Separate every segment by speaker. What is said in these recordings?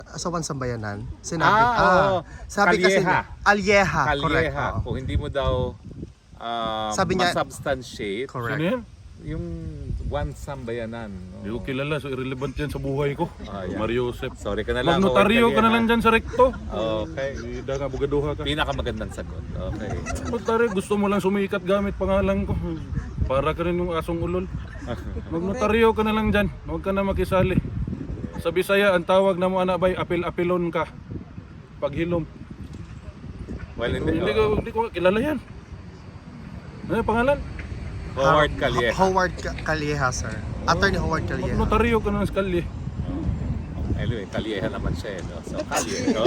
Speaker 1: sa Sambayanan, sinabi,
Speaker 2: oo.
Speaker 1: sabi kasi,
Speaker 2: Calleja.
Speaker 1: Calleja, correct.
Speaker 2: Calleja.
Speaker 1: Oo.
Speaker 2: Kung hindi mo daw
Speaker 1: Sabi niya-
Speaker 2: masubstantiate,
Speaker 1: Correct.
Speaker 3: Sino yan?
Speaker 2: yung one Sambayanan.
Speaker 3: Hindi ko kilala, so irrelevant yan sa buhay ko.
Speaker 2: Yan.
Speaker 3: Mario Joseph.
Speaker 2: Sorry ka na lang.
Speaker 3: Magnotaryo ka na
Speaker 2: Calleja.
Speaker 3: lang dyan sa rekto.
Speaker 2: Okay.
Speaker 3: Hindi nga bugaduha ka.
Speaker 2: Pinakamagandang sagot. Okay.
Speaker 3: Magnotaryo, gusto mo lang sumikat gamit pangalan ko. Para ka rin yung asong ulol. Magnotaryo ka na lang dyan. Huwag ka na makisali. Sa Bisaya, ang tawag na mo anak bay, apil-apilon ka. Paghilom.
Speaker 2: Well,
Speaker 3: Hindi ko kilala yan. Ano yung pangalan?
Speaker 2: Howard Calleja.
Speaker 1: Howard Calleja, sir. Attorney Howard Calleja.
Speaker 3: Magnotaryo ka na sa kalye.
Speaker 2: Anyway, Calleja naman siya. No? So, Calleja. No?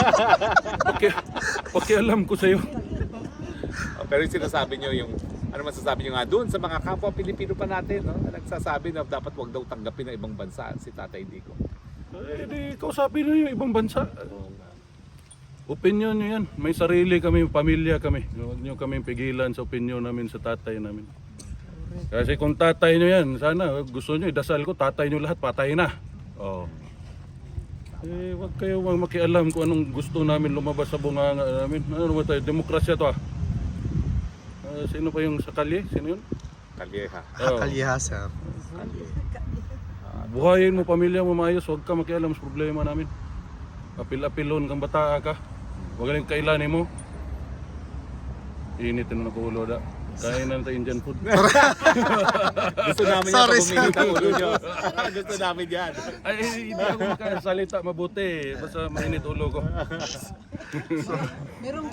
Speaker 3: Pakialam ko sa'yo.
Speaker 2: Pero yung sinasabi nyo, yung ano masasabi nyo nga doon sa mga kapwa Pilipino pa natin, no? Na nagsasabi na dapat wag daw tanggapin ng ibang bansa si Tatay Digong.
Speaker 3: Eh, di kausapin nyo yung ibang bansa. Opinion nyo yan. May sarili kami, pamilya kami. Huwag nyo kami pigilan sa opinion namin sa tatay namin. Kasi kung tatay nyo yan, sana gusto nyo, idasal ko, tatay nyo lahat, patay na. Oh. Eh, wag kayo makialam kung anong gusto namin lumabas sa bunganga namin. Ano ba tayo? Demokrasya to ah. Sino pa yung sa kalye? Sino yun?
Speaker 2: Calleja.
Speaker 3: Oh.
Speaker 1: Calleja, sir.
Speaker 3: Buhayin mo pamilya mo maayos, huwag ka makialam sa problema namin. Apil-apilon kang bata ka. Huwag ka kailanin mo. Initin na ulo da. Kain na tayo Indian food.
Speaker 2: Gusto namin yan
Speaker 1: Sorry,
Speaker 2: pag uminit ang ulo nyo. Gusto namin yan.
Speaker 3: Ay, hindi ako makasalita mabuti. Basta mainit ulo ko.